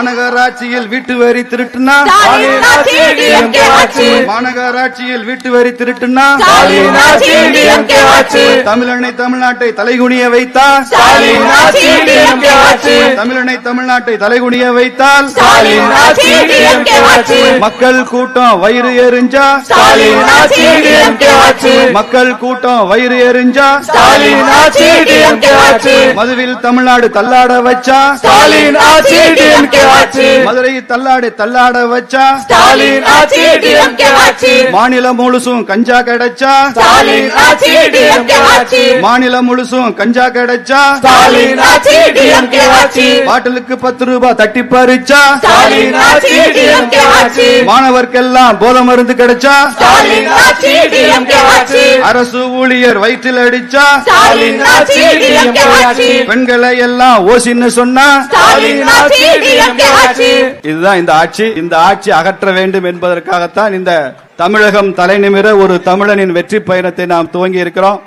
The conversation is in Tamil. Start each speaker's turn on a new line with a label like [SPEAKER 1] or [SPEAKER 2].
[SPEAKER 1] மாநகராட்சியில் வீட்டு வரி திருட்டுனா மாநகராட்சியில் வீட்டு வரி திருட்டுனா தமிழனை தமிழ்நாட்டை தலைகுனிய வைத்தால் தமிழனை தமிழ்நாட்டை தலைகுனிய வைத்தால் மக்கள் கூட்டம் வயிறு எரிஞ்சா மக்கள் கூட்டம் வயிறு எரிஞ்சா மதுவில் தமிழ்நாடு தள்ளாட வச்சா மதுரை தள்ளாட வச்சா மாநிலம் முழுசும் கஞ்சா கிடைச்சா மாநிலம் முழுசும் கஞ்சா கிடைச்சா பாட்டிலுக்கு 10 ரூபாய் தட்டி பறிச்சா மாணவர்க்கெல்லாம் போதை மருந்து கிடைச்சா அரசு ஊழியர் வயிற்றில் அடிச்சா பெண்களை எல்லாம் ஓசின்னு சொன்னா இதுதான் இந்த ஆட்சி அகற்ற வேண்டும் என்பதற்காகத்தான் இந்த தமிழகம் தலைநிமிர ஒரு தமிழனின் வெற்றி பயணத்தை நாம் துவங்கி இருக்கிறோம்.